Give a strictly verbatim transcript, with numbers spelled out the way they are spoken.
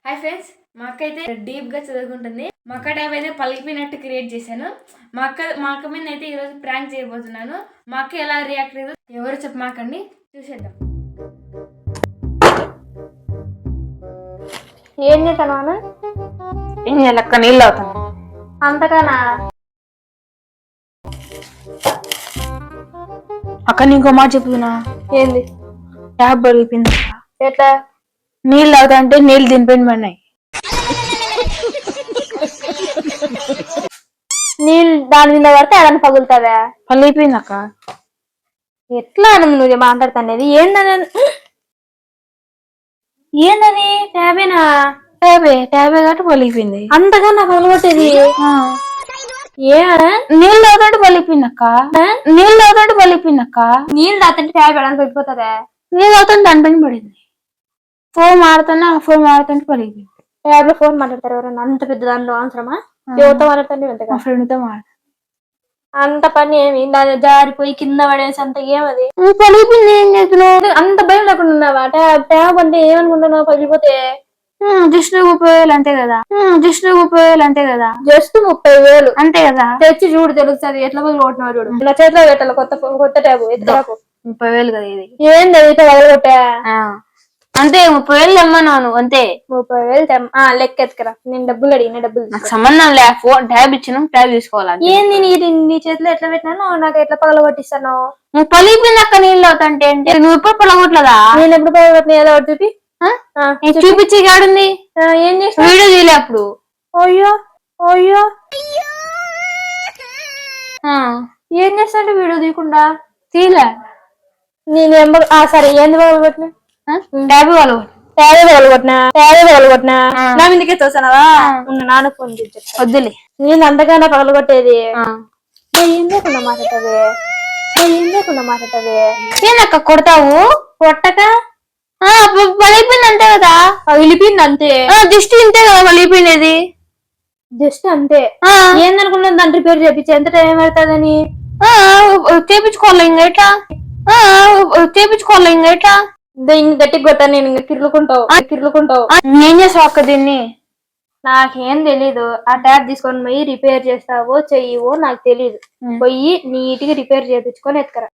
Hi friends, మా అక్క అయితే డీప్గా చదువుకుంటుంది. మా అక్క ట్యాబ్ అయితే పలికిపోయినట్టు క్రియేట్ చేశాను. మా అక్క మా అక్క మీద అయితే ఈరోజు ప్రాంక్ చేయబోతున్నాను. మా అక్క ఎలా రియాక్ట్ అయ్యేదో ఎవరు చెప్పమాకండి, చూసేద్దాం. ఏం చేస్తాను ఏం చేయాలక్క? నీళ్ళు అవుతాను అంతగానా? అక్క ఇంకో మాట చెప్తున్నా. ఏంది? ట్యాబ్ పలిగిపోయింది. ఎట్లా? నీళ్ళు అవుతా అంటే నీళ్ళు దింపేయండి పడినాయి. నీళ్ళు దాని మీద పడితే అదని పగులుతావా? పలిగిపోయింది అక్క. ఎట్లా అని నువ్వు మాట్లాడుతానేది? ఏందని ఏందని ట్యాబేనా? ట్యాబే ట్యాబే కాబట్టి పలిగిపోయింది. అంతగా నాకు పగలగొట్టేది ఏ? నీళ్ళు అవుతాంటే పలిగిపోయింది అక్క. నీళ్ళు అవుతాంటే పలిగిపోయింది అక్క. నీళ్ళు తాతంటే ట్యాబ్ ఎడానికి పడిపోతుందా? నీళ్ళు అవుతాంటే దాని పైన పడింది. ఫోన్ మాడుతున్నా ఫోన్ మాడుతుంటే పలిగిపోయింది. ట్యాబ్ లో ఫోన్ మాట్లాడతారు ఎవరన్నా? అంత పెద్ద దానిలో అవసరమా? ఎవరితో మాట్లాడుతుంది? మా ఫ్రెండ్ తో మాట్లాడు. అంత పని ఏమి? దాని జారిపోయి కింద పడేసి అంత ఏమది? పలిగిపోయింది. ఏం చేస్తున్నావు? అంత భయం లేకుండా ఉన్నావా? ట్యాబ్ ట్యాబ్ అంటే ఏమనుకుంటున్నావు? పగిలిపోతే జస్ట్ ముప్పై వేలు అంతే కదా. జస్ట్ ముప్పై వేలు అంతే కదా. జస్ట్ ముప్పై వేలు అంతే కదా. తెచ్చి చూడు, తెలుస్తుంది ఎట్లా పగలగొట్టినావు చూడు. నా చేతిలో పెట్టాలి కొత్త కొత్త ట్యాబ్. ఎత్తుకు ముప్పై వేలు కదా ఇది. ఏంది అయితే పగలగొట్టా? అంతే, ముప్పై వేలు తెమ్మన్నాను అంతే. ముప్పై వేలు లెక్క ఎత్తుకరా. నేను డబ్బులు అడిగిన డబ్బులు నాకు సంబంధం లే. ఫోన్ ట్యాబ్ ఇచ్చిన ట్యాబ్ తీసుకోవాలి. ఏంది నీ నీ చేతిలో ఎట్లా పెట్టినాను? నాకు ఎట్లా పగలగొట్టిస్తాను? నువ్వు పలిగిపోయింది అక్క. నీళ్ళు అవుతాంటే నువ్వు ఎప్పుడు పగలగొట్టలేదా? నేను ఎప్పుడు పగలగొట్టిన? ఏదో ఒకటి చూపి చూపించి కాడుంది. ఏం చేసిన? వీడియో తీయలే అప్పుడు. అయ్యో అయ్యో ఏం చేస్తాంటే వీడియో తీయకుండా? తీయలే. నేను సరే ఏంది పగలగొట్టిన? ట్యాబ్ వాళ్ళు ట్యాబే పగలగొట్టినా ట్యాబే పగలగొట్టినా నా మీదకే తోసానవా? ఉన్న నాన్న ఫోన్ చేసి వద్దులే. నేను అంతగానే పగలగొట్టేది. ఏం లేకుండా మాట్లాడతావే? ఏం లేకుండా మాట్లాడతావే? ఏందక్క కొడతావు? కొట్టక పలిగిపోయింది అంతే కదా. పగిలిపోయింది అంతే. జస్ట్ ఇంతే కదా పలిగిపోయినది. జస్ట్ అంతే. ఏందనుకున్నాను దాని రిపేర్ చేపించి ఎంత టైం పడుతుందని? చేపించుకోవాలి ఇంకా ఎట్లా? చేపించుకోవాలి ఇంకా ఎట్లా? ఇంక గట్టికి కొట్టాను నేను. ఇంక కిర్లుకుంటావు కిర్లుకుంటావు. ఏం చేసావు అక్క దీన్ని? నాకేం తెలీదు. ఆ ట్యాబ్ తీసుకొని పోయి రిపేర్ చేస్తావో చెయ్యవో నాకు తెలీదు. పోయి నీట్ గా రిపేర్ చేయించుకొని ఎత్తుకరా.